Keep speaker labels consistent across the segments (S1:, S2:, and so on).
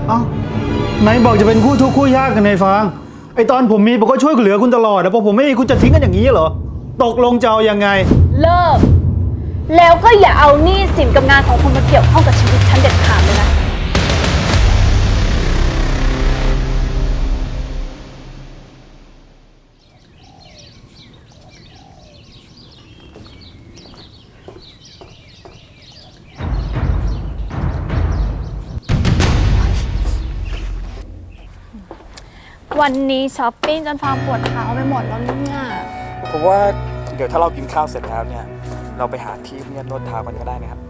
S1: เอ้าไหนบอกจะเป็นคู่ทุกข์คู่ยากกันในฟางไอตอนผมมีผมก็ช่วยเหลือคุณตลอดแต่พอผมไม่มีคุณจะทิ้งกันอย่างนี้เหรอตกลงจะเอายังไง
S2: เลิกแล้วก็อย่าเอาหนี้สินกับงานของคุณมาเกี่ยวข้องกับชีวิตฉันเด็ดขาดเลยนะวันนี้ช้อปปิ้งจนฟางปวดเท้าไปหมดแล้วเนี่ย
S3: ผมว่าเดี๋ยวถ้าเรากินข้าวเสร็จแล้วเนี่ยเราไปหาที่เงียบนวดเท้ากันก็ได้นะครับ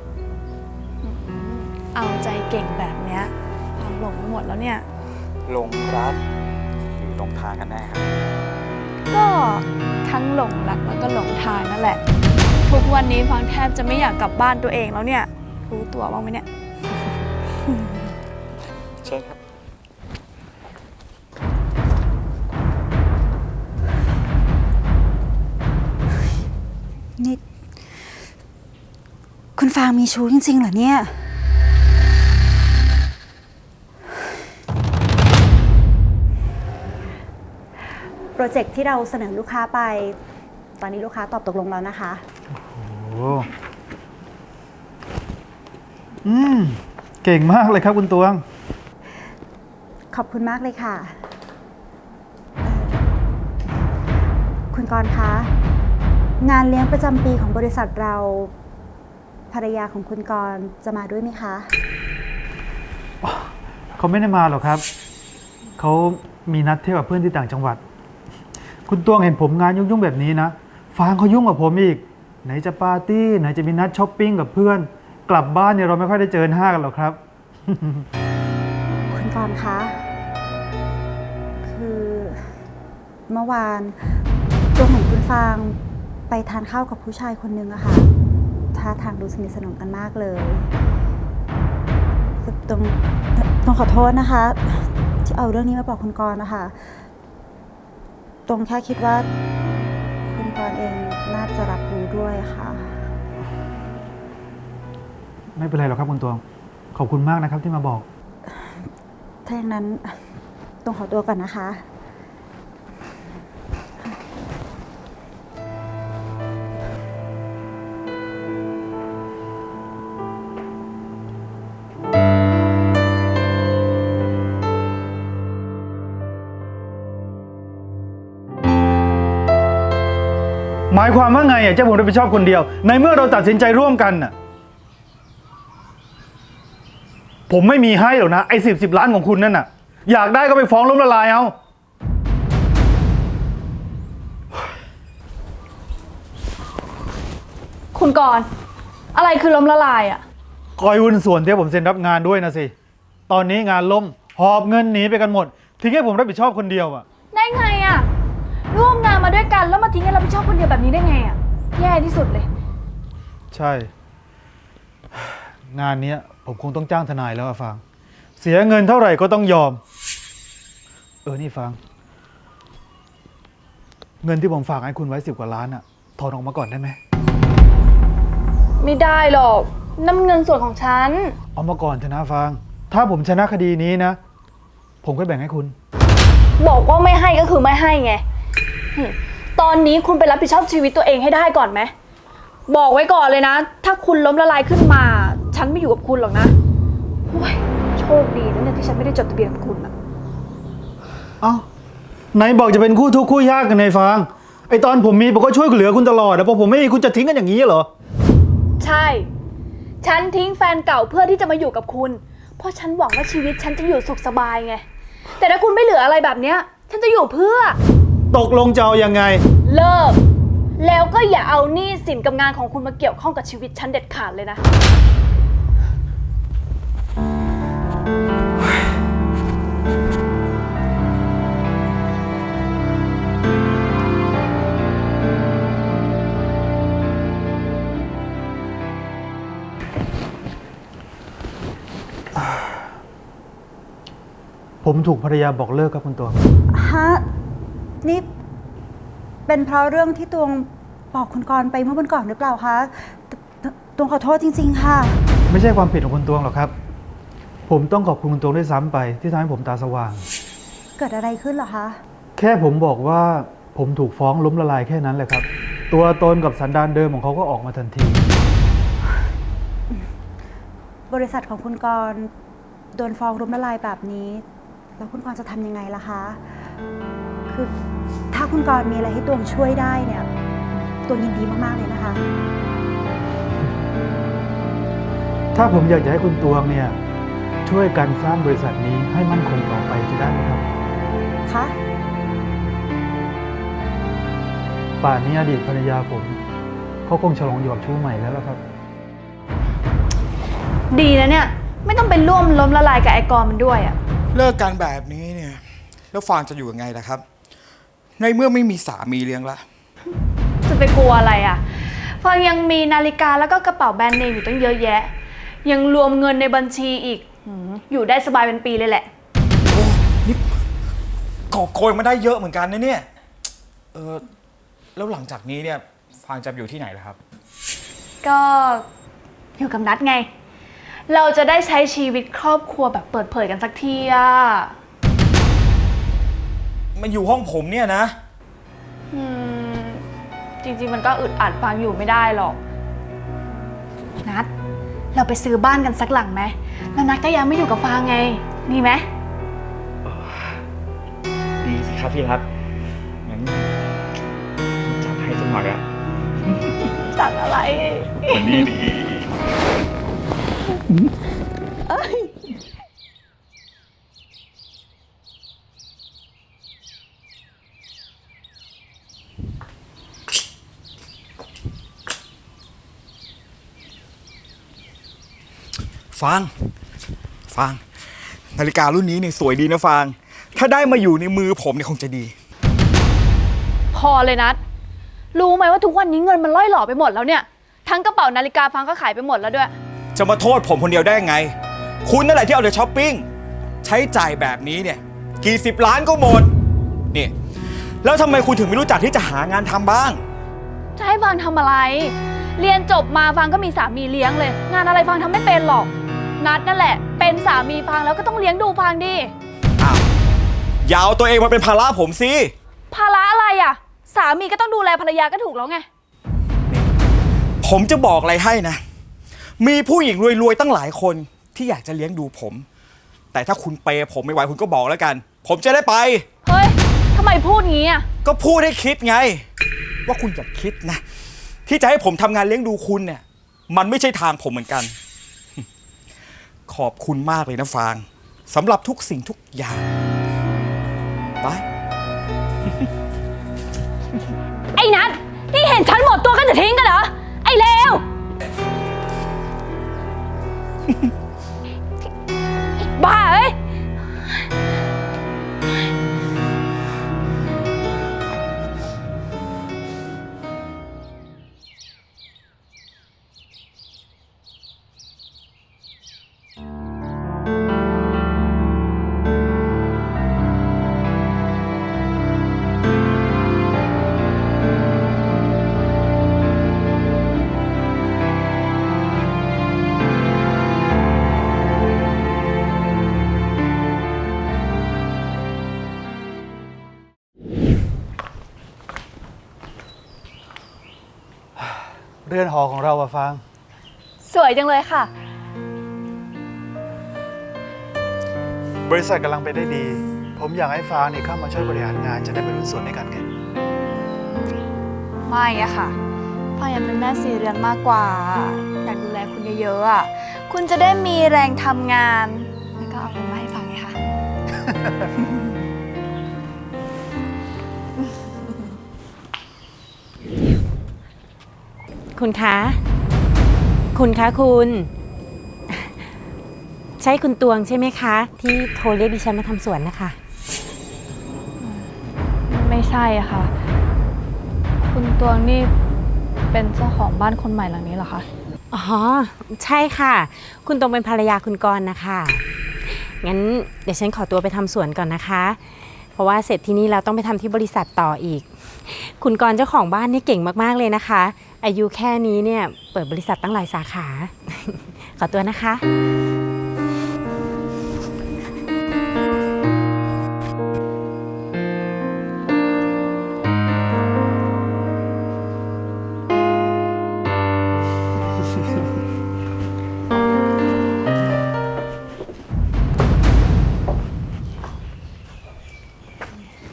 S2: เอาใจเก่งแบบเนี้ยฟางหลงไปหมดแล้วเนี่ย
S3: หลงรักหรือหลงทางกันแน่ครับ
S2: ก็ทั้งหลงรักแล้วก็หลงทางนั่นแหละทุกวันนี้ฟางแทบจะไม่อยากกลับบ้านตัวเองแล้วเนี่ยรู้ตัวบ้างไหมเนี่ย
S3: ใช่ครับ
S4: นี่คุณฟางมีชู้จริงๆเหรอเนี่ยโปรเจกต์ที่เราเสนอลูกค้าไปตอนนี้ลูกค้าตอบตกลงแล้วนะคะ
S1: โอ้เก่งมากเลยครับคุณตวง
S4: ขอบคุณมากเลยค่ะคุณกรณ์คะงานเลี้ยงประจำปีของบริษัทเราภรรยาของคุณกรณ์จะมาด้วยไหมคะ
S1: เขาไม่ได้มาหรอกครับเขามีนัดเที่ยวกับเพื่อนที่ต่างจังหวัดคุณตวงเห็นผมงานยุ่งๆแบบนี้นะฟางเขายุ่งกับผมอีกไหนจะปาร์ตี้ไหนจะมีนัดช้อปปิ้งกับเพื่อนกลับบ้านเนี่ยเราไม่ค่อยได้เจอหน้ากันหรอกครับ
S4: คุณกรณ์คะคือเมื่อวานตวงเห็นคุณฟางไปทานข้าวกับผู้ชายคนนึงอะค่ะท่าทางดูสนิทสนมกันมากเลยต้องขอโทษนะคะที่เอาเรื่องนี้มาบอกคุณกรณ์นะคะตรงแค่คิดว่าคุณกรณ์เองน่าจะรับรู้ด้วยค่ะ
S1: ไม่เป็นไรหรอกครับคุณตวงขอบคุณมากนะครับที่มาบอก
S4: ถ้าอย่างนั้นต้องขอตัวก่อนนะคะ
S1: หมายความว่าไงอ่ะเจ้าผมรับผิดชอบคนเดียวในเมื่อเราตัดสินใจร่วมกันน่ะผมไม่มีให้หรอกนะไอ้10 ล้านของคุณนั่นน่ะอยากได้ก็ไปฟ้องล้มละลายเอา
S2: คุณกรณ์อะไรคือล้มละลายอ่ะ
S1: คอยหุ้นส่วนที่ผมเซ็นรับงานด้วยนะสิตอนนี้งานล่มหอบเงินหนีไปกันหมดทิ้งให้ผมรับผิดชอบคนเดียวอ่ะ
S2: ได้ไงอ่ะร่วมงานมาด้วยกันแล้วมาทิ้งให้เรารับผิดชอบคนเดียวแบบนี้ได้ไงอ่ะแย่ที่สุดเลย
S1: ใช่งานนี้ผมคงต้องจ้างทนายแล้วอะฟางเสียเงินเท่าไหร่ก็ต้องยอมนี่ฟางเงินที่ผมฝากให้คุณไว้10 กว่าล้านอะถอนออกมาก่อนได้ไหม
S2: ไม่ได้หรอกนั่นเงินส่วนของฉัน
S1: เอามาก่อนเถอะนะฟางถ้าผมชนะคดีนี้นะผมก็แบ่งให้คุณ
S2: บอกว่าไม่ให้ก็คือไม่ให้ไงตอนนี้คุณไปรับผิดชอบชีวิตตัวเองให้ได้ก่อนไหมบอกไว้ก่อนเลยนะถ้าคุณล้มละลายขึ้นมาฉันไม่อยู่กับคุณหรอกนะโชคดีนะเนี่ยที่ฉันไม่ได้จดทะเบียนกับคุณอะ
S1: เอ้าไหนบอกจะเป็นคู่ทุกข์คู่ยากกันในฟางไอตอนผมมีผมก็ช่วยเหลือคุณตลอดแต่พอผมไม่มีคุณจะทิ้งกันอย่างนี้เหรอ
S2: ใช่ฉันทิ้งแฟนเก่าเพื่อที่จะมาอยู่กับคุณเพราะฉันหวังว่าชีวิตฉันจะอยู่สุขสบายไงแต่ถ้าคุณไม่เหลืออะไรแบบเนี้ยฉันจะอยู่เพื่อ
S1: ตกลงจะเอายังไง
S2: เลิกแล้วก็อย่าเอาหนี้สินกับงานของคุณมาเกี่ยวข้องกับชีวิตฉันเด็ดขาดเลยนะ
S1: ผมถูกภรรยาบอกเลิกครับคุณตวง
S4: ฮะนี่เป็นเพราะเรื่องที่ตวงบอกคุณกรณ์ไปเมื่อวันก่อนหรือเปล่าคะตวงขอโทษจริงๆค่ะ
S1: ไม่ใช่ความผิดของคุณตวงหรอกครับผมต้องขอบคุณคุณตวงด้วยซ้ำไปที่ทำให้ผมตาสว่าง
S4: เกิดอะไรขึ้นเหรอคะ
S1: แค่ผมบอกว่าผมถูกฟ้องล้มละลายแค่นั้นแหละครับ ตัวตนกับสันดานเดิมของเขาก็ออกมาทันที
S4: บริษัทของคุณกรณ์โดนฟ้องล้มละลายแบบนี้ แล้วคุณกรณ์จะทำยังไงล่ะคะ คือถ้าคุณกรณ์มีอะไรให้ตวงช่วยได้เนี่ยตวงยินดีมากๆเลยนะคะ
S1: ถ้าผมอยากจะให้คุณตวงเนี่ยช่วยกันสร้างบริษัทนี้ให้มั่นคงต่อไปจะได้ไหมครับ
S4: คะ
S1: ป่านนี้อดีตภรรยาผมเขาคงฉลองอยู่กับชู้ใหม่แล้วล่ะครับ
S2: ดีนะเนี่ย ไม่ต้องไปร่วมล้มละลายกับไอ้กรมันด้วยอะ
S3: เลิกกันแบบนี้เนี่ยแล้วฟางจะอยู่ยังไงล่ะครับ ในเมื่อไม่มีสามีเลี้ยงละ
S2: จะไปกลัวอะไรอะฟังยังมีนาฬิกาแล้วก็กระเป๋าแบรนด์เนมอยู่ตั้งเยอะแยะ ยังรวมเงินในบัญชีอีกอยู่ได้สบายเป็นปีเลยแหละ
S3: โอ้นี่กอบโกยมาได้เยอะเหมือนกันนะเนี่ยแล้วหลังจากนี้เนี่ยฟางจะอยู่ที่ไหนล่ะครับ
S2: ก็อยู่กับนัดไง เราจะได้ใช้ชีวิตครอบครัวแบบเปิดเผยกันสักทีอะ
S3: มันอยู่ห้องผมเนี่ยนะ
S2: จริงๆมันก็อึดอัดฟังอยู่ไม่ได้หรอก นัด เราไปซื้อบ้านกันสักหลังไหมแล้วนัดก็ยังไม่อยู่กับฟางไงมีไหม
S3: ดีสิครับพี่ครับงั้นจัดให้สักหน่อยอะ
S2: จัดอะไร
S3: วันนี้ดีฟางนาฬิการุ่นนี้เนี่ยสวยดีนะฟางถ้าได้มาอยู่ในมือผมเนี่ยคงจะดี
S2: พอเลยนัด รู้ไหมว่าทุกวันนี้เงินมันล่อยหล่อไปหมดแล้วเนี่ย ทั้งกระเป๋านาฬิกาฟังก็ขายไปหมดแล้วด้วย
S3: จะมาโทษผมคนเดียวได้ยังไง คุณนั่นแหละที่เอาแต่ช้อปปิ้งใช้จ่ายแบบนี้เนี่ยกี่สิบล้านก็หมดนี่แล้วทำไมคุณถึงไม่รู้จักที่จะหางานทำบ้าง
S2: จะให้ฟังทำอะไร เรียนจบมาฟังก็มีสามีเลี้ยงเลย งานอะไรฟังทำไม่เป็นหรอก นัดนั่นแหละ เป็นสามีฟังแล้วก็ต้องเลี้ยงดูฟังดิ
S3: อ้าวอย่าเอาตัวเองมาเป็นภาระผมสิ
S2: ภาระอะไรอ่ะ สามีก็ต้องดูแลภรรยาก็ถูกแล้วไง
S3: ผมจะบอกอะไรให้นะ มีผู้หญิงรวยๆตั้งหลายคนที่อยากจะเลี้ยงดูผม แต่ถ้าคุณเปย์ผมไม่ไหวคุณก็บอกแล้วกัน ผมจะได้ไป
S2: เฮ้ยทำไมพูดงี้อ่ะ
S3: ก็พูดให้คิดไง ว่าคุณอย่าคิดนะ ที่จะให้ผมทำงานเลี้ยงดูคุณเนี่ย มันไม่ใช่ทางผมเหมือนกัน ขอบคุณมากเลยนะฟางสำหรับทุกสิ่งทุกอย่างไป
S2: ไอ้นัทนี่เห็นฉันหมดตัวก็จะทิ้งกันเหรอ ไอ้เลว บ้าเอ้ย
S1: เรือนหอของเราอะฟาง
S2: สวยจังเลยค่ะ
S1: บริษัทกำลังไปได้ดี ผมอยากให้ฟางเนี่ยเข้ามาช่วยบริหารงานจะได้เป็นหุ้นส่วนในการไง
S2: ไม่อะค่ะฟังอยากเป็นแม่สีเรือนมากกว่า อยากดูแลคุณเยอะๆอะคุณจะได้มีแรงทำงาน แล้วก็เอาเงินมาให้ฟังไงคะ
S5: คุณคะ คุณคะคุณ ใช่คุณตวงใช่ไหมคะ ที่โทรเรียกดิฉันมาทำสวนนะคะ
S2: ไม่ใช่อะค่ะ คุณตวงนี่เป็นเจ้าของบ้านคนใหม่หลังนี้เหรอคะ
S5: อ๋อ ใช่ค่ะ คุณตวงเป็นภรรยาคุณกรณ์นะคะ งั้นเดี๋ยวฉันขอตัวไปทำสวนก่อนนะคะ เพราะว่าเสร็จที่นี่เราต้องไปทำที่บริษัทต่ออีก คุณกรณ์เจ้าของบ้านนี่เก่งมากๆเลยนะคะ อายุแค่นี้เนี่ยเปิดบริษัทตั้งหลายสาขา ขอตัวนะคะ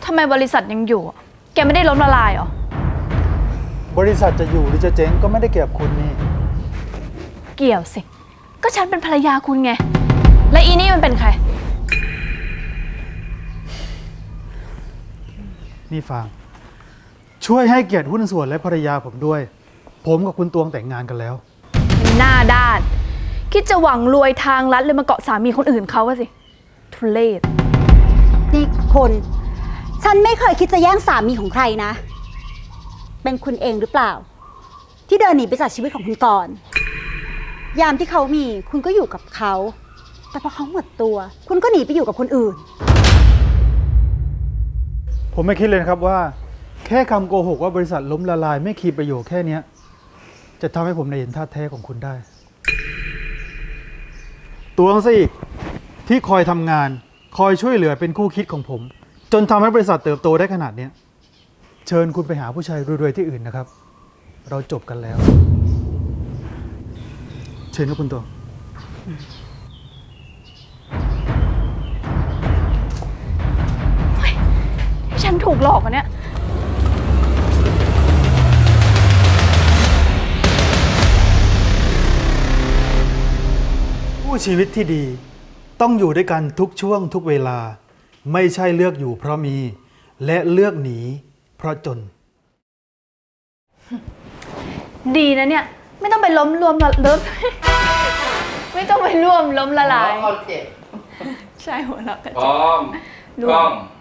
S2: ทำไมบริษัทยังอยู่อะแกไม่ได้ล้มละลายเหรอ
S1: บริษัทจะอยู่หรือจะเจ๊งก็ไม่ได้เกี่ยวกับคุณนี่
S2: เกี่ยวสิ ก็ฉันเป็นภรรยาคุณไง และอีนี่มันเป็นใคร
S1: นี่ฟาง ช่วยให้เกียรติหุ้นส่วนและภรรยาผมด้วย ผมกับคุณตวงแต่งงานกันแล้ว
S2: หน้าด้าน คิดจะหวังรวยทางลัดเลยมาเกาะสามีคนอื่นเขาอะสิ ทุเรศ
S4: นี่คุณฉันไม่เคยคิดจะแย่งสามีของใครนะ เป็นคุณเองหรือเปล่า ที่เดินหนีไปจากชีวิตของคุณก่อน ยามที่เขามีคุณก็อยู่กับเขา แต่พอเขาหมดตัว คุณก็หนีไปอยู่กับคนอื่น
S1: ผมไม่คิดเลยนะครับว่า แค่คำโกหกว่าบริษัทล้มละลายไม่คีประโยชน์แค่เนี้ยจะทำให้ผมได้เห็นท่าแท้ของคุณได้ ตวงซะอีกที่คอยทำงาน คอยช่วยเหลือเป็นคู่คิดของผม จนทำให้บริษัทเติบโตได้ขนาดเนี้ยเชิญคุณไปหาผู้ชายรวยๆที่อื่นนะครับ เราจบกันแล้ว เชิญครับคุณตวง
S2: ฉันถูกหลอกอะเนี่ย
S1: ผู้ชีวิตที่ดีต้องอยู่ด้วยกันทุกช่วงทุกเวลา ไม่ใช่เลือกอยู่เพราะมี และเลือกหนีเพราะจน
S2: ดีนะเนี่ย ไม่ต้องไปล้มรวมละเลิฟ ไม่ต้องไปร่วมล้มละลาย
S6: คอนเจ็บ
S2: ใช่หัวเราะกัน
S6: พร้อม
S2: รวม
S6: กล้อง